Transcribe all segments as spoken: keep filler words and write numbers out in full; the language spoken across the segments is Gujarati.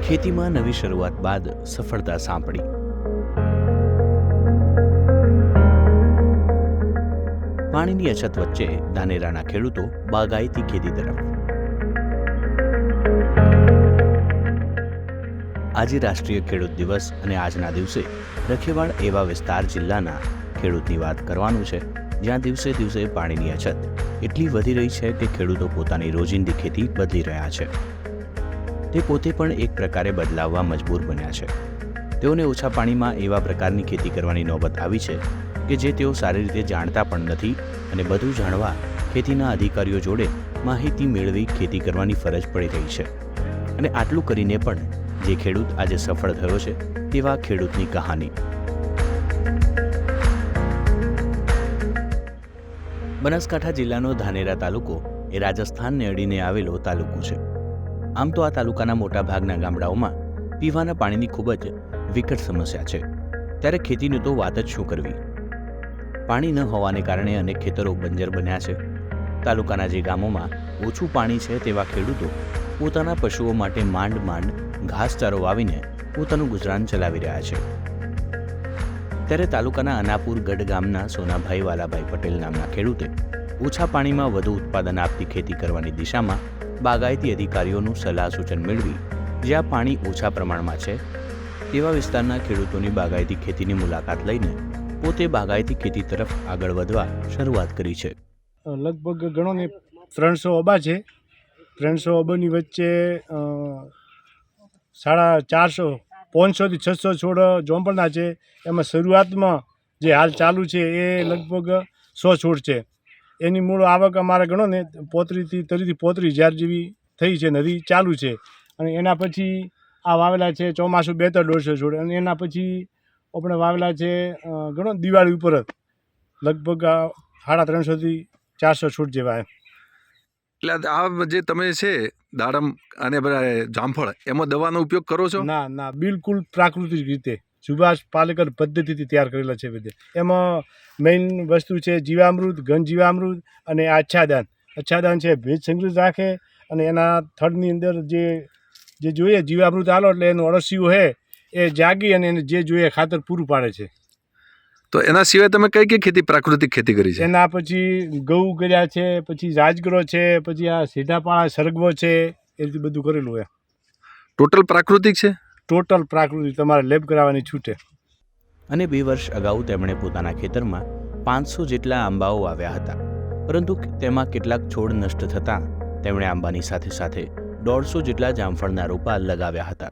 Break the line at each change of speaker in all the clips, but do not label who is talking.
ખેતીમાં નવી શરૂઆત બાદ સફળતા સાંપડી। પાણીની અછત વચ્ચે ધાનેરાના ખેડૂતો બાગાયતી ખેતી તરફ। આજે રાષ્ટ્રીય ખેડૂત દિવસ અને આજના દિવસે રખેવાળ એવા વિસ્તાર જિલ્લાના ખેડૂતની વાત કરવાનું છે જ્યાં દિવસે દિવસે પાણીની અછત એટલી વધી રહી છે કે ખેડૂતો પોતાની રોજિંદી ખેતી બદલી રહ્યા છે। તે પોતે પણ એક પ્રકારે બદલાવવા મજબૂર બન્યા છે। તેઓને ઓછા પાણીમાં એવા પ્રકારની ખેતી કરવાની નોબત આવી છે કે જે તેઓ સારી રીતે જાણતા પણ નથી અને બધું જાણવા ખેતીના અધિકારીઓ જોડે માહિતી મેળવી ખેતી કરવાની ફરજ પડી રહી છે। અને આટલું કરીને પણ જે ખેડૂત આજે સફળ થયો છે તેવા ખેડૂતની કહાની। બનાસકાંઠા જિલ્લાનો ધાનેરા તાલુકો એ રાજસ્થાનને અડીને આવેલો તાલુકો છે। આમ તો આ તાલુકાના મોટા ભાગના ગામડાઓમાં પીવાના પાણીની ખૂબ જ વિકટ સમસ્યા છે, ત્યારે ખેતીની તો વાત જ શું કરવી। પાણી ન હોવાને કારણે અનેક ખેતરો બંજર બન્યા છે। તાલુકાના જે ગામોમાં ઓછું પાણી છે તેવા ખેડૂતો પોતાના પશુઓ માટે માંડ માંડ ઘાસચારો વાવીને પોતાનું ગુજરાન ચલાવી રહ્યા છે। ત્યારે તાલુકાના અનાપુર ગઢ ગામના સોનાભાઈ વાલાભાઈ પટેલ નામના ખેડૂતે ઓછા પાણીમાં વધુ ઉત્પાદન આપતી ખેતી કરવાની દિશામાં બાગાયતી અધિકારીઓનું સલાહ સૂચન મેળવી જ્યાં પાણી ઓછા પ્રમાણમાં છે તેવા વિસ્તારના ખેડૂતોની બાગાયતી ખેતીની મુલાકાત લઈને પોતે બાગાયતી ખેતી તરફ આગળ વધવા શરૂઆત કરી છે।
લગભગ ગણો ને ત્રણસો અબા છે। ત્રણસો અબાની વચ્ચે સાડા ચારસો પાંચસોથી છસો છોડ જોંપણના છે। એમાં શરૂઆતમાં જે હાલ ચાલુ છે એ લગભગ સો છોડ છે। એની મૂળ આવક અમારે ગણો ને પોતરીથી તરીથી પોતરી હજાર જેવી થઈ છે, નદી ચાલુ છે। અને એના પછી આ વાવેલા છે ચોમાસું બે ત્રણ દોઢસો છોડ, અને એના પછી આપણે વાવેલા છે ગણો દિવાળી ઉપર જ લગભગ સાડા ત્રણસોથી ચારસો છોડ જેવા એમ।
એટલે આ જે તમે છે દાડમ અને બધા જામફળ એમાં દવાનો ઉપયોગ કરો છો?
ના ના, બિલકુલ પ્રાકૃતિક રીતે સુભાષ પાલેકર પદ્ધતિથી તૈયાર કરેલા છે બધે। એમાં મેઇન વસ્તુ છે જીવામૃત, ઘન જીવામૃત અને આચ્છાદન। આચ્છાદન છે ભેજ સંગ્રહિત રાખે અને એના થડની અંદર જે જે જોઈએ જીવામૃત આલો એટલે એનું અળસિયું છે એ જાગી અને એને જે જોઈએ ખાતર પૂરું પાડે છે।
તો એના સિવાય તમે કઈ કઈ ખેતી પ્રાકૃતિક ખેતી કરી છે?
એના પછી ઘઉં કર્યા છે, પછી રાજગરો છે, પછી આ સીધાપાળા સરગવો છે, એ રીતે બધું કરેલું હોય।
ટોટલ પ્રાકૃતિક છે?
ટોટલ પ્રાકૃતિક, તમારે લેબ કરાવવાની છૂટે।
અને બે વર્ષ અગાઉ તેમણે પોતાના ખેતરમાં પાંચસો જેટલા આંબાઓ વાવ્યા હતા, પરંતુ તેમાં કેટલાક છોડ નષ્ટ થતાં તેમણે આંબાની સાથે સાથે દોઢસો જેટલા જામફળના રોપા લગાવ્યા હતા।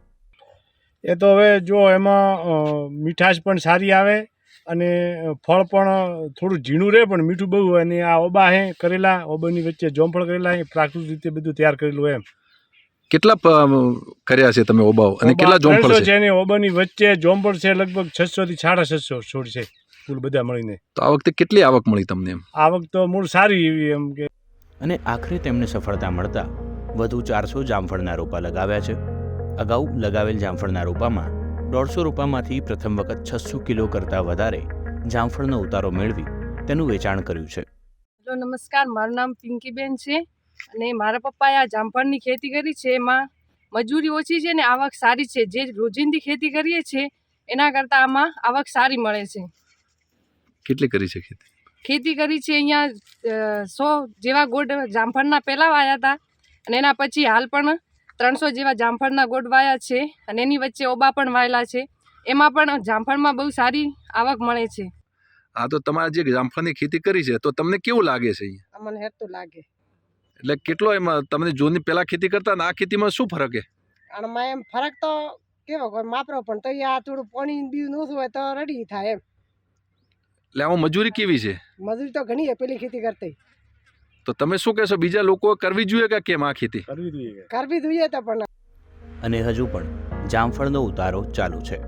એ તો હવે જો એમાં મીઠાશ પણ સારી આવે અને ફળ પણ થોડું ઝીણું રહે પણ મીઠું બહુ હોય। અને આ ઓબા હે કરેલા, ઓબાની વચ્ચે જોમફળ કરેલા, એ પ્રાકૃતિક રીતે બધું તૈયાર કરેલું એમ।
કેટલા કર્યા છે તમે ઓબાઓ અને કેટલા જોમફળ છે?
એની ઓબાની વચ્ચે જોમફળ છે લગભગ છસો થી સાડા છસો છોડ છે કુલ બધા મળીને।
તો આ વખતે કેટલી આવક મળી તમને? એમ
આવક તો મૂળ સારી એવી એમ કે।
અને આખરે તેમને સફળતા મળતા વધુ ચારસો જામફળના રોપા લગાવ્યા છે। અગાઉ લગાવેલ જામફળના રોપામાં દોઢસો રોપામાંથી પ્રથમ વખત છસો કિલો કરતાં વધારે જામફળનો ઉતારો મેળવી તેનું વેચાણ કર્યું છે।
હેલો નમસ્કાર, મારું નામ પિંકીબેન છે અને મારા પપ્પાએ આ જામફળની ખેતી કરી છે। એમાં મજૂરી ઓછી છે ને આવક સારી છે। જે રોજિંદી ખેતી કરીએ છીએ એના કરતાં આમાં આવક સારી મળે છે।
કેટલી કરી છે ખેતી?
ખેતી કરી છે અહીંયા સો જેવા ગોળ જામફળના પહેલાં વાયા હતા અને એના પછી હાલ પણ ત્રણસો જેવા જામફળના ગોળ વાયા છે અને એની વચ્ચે ઓબા પણ વાયેલા છે। એમાં પણ જામફળમાં બહુ સારી આવક મળે છે।
હા, તો તમારે જે જામફળની ખેતી કરી છે તો તમને કેવું લાગે છે?
અમને હેતું લાગે
એટલે કેટલો એમાં તમને જોની પહેલા ખેતી કરતા ને આ ખેતીમાં શું ફરક છે?
આમાં એમ ફરક તો કેવો હોય માપરો, પણ તો આ થોડું પાણી બીજું ઓછું હોય તો રેડી થાય એમ।
એટલે આમાં મજૂરી કેવી છે?
મજૂરી તો ઘણી છે પેલી ખેતી કરતી।
તો તમે શું કહેશો, બીજા લોકો કરવી જોઈએ કે કેમ આ ખેતી?
કરવી જોઈએ
કરવી જોઈએ તો પણ।
અને હજુ પણ જામફળનો ઉતારો ચાલુ છે।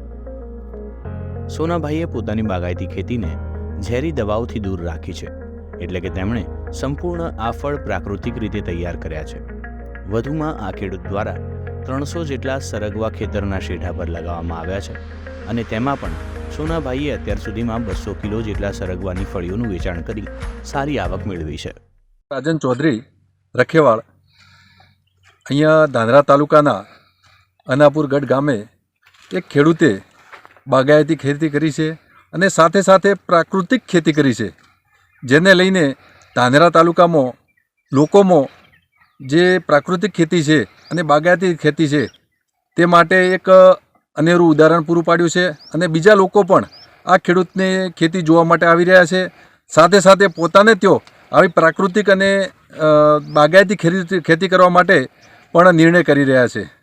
સોનાભાઈએ પોતાની બાગાયતી ખેતીને ઝેરી દવાઓથી દૂર રાખી છે, એટલે કે તેમણે સંપૂર્ણ આ ફળ પ્રાકૃતિક રીતે તૈયાર કર્યા છે। વધુમાં આ ખેડૂત દ્વારા ત્રણસો જેટલા સરગવા ખેતરના શેઢા પર લગાવવામાં આવ્યા છે અને તેમાં પણ સોનાભાઈએ અત્યાર સુધીમાં બસો કિલો જેટલા સરગવાની ફળીઓનું વેચાણ કરી સારી આવક મેળવી છે।
રાજન ચૌધરી રખેવાળ અહીંયા ધાનેરા તાલુકાના અનાપુરગઢ ગામે એક ખેડૂતે બાગાયતી ખેતી કરી છે અને સાથે સાથે પ્રાકૃતિક ખેતી કરી છે, જેને લઈને ધાનેરા તાલુકામાં લોકોમાં જે પ્રાકૃતિક ખેતી છે અને બાગાયતી ખેતી છે તે માટે એક અનેરું ઉદાહરણ પૂરું પાડ્યું છે અને બીજા લોકો પણ આ ખેડૂતની ખેતી જોવા માટે આવી રહ્યા છે. સાથે સાથે પોતાને તેઓ આવી પ્રાકૃતિક અને બાગાયતી ખેતી ખેતી કરવા માટે પણ નિર્ણય કરી રહ્યા છે.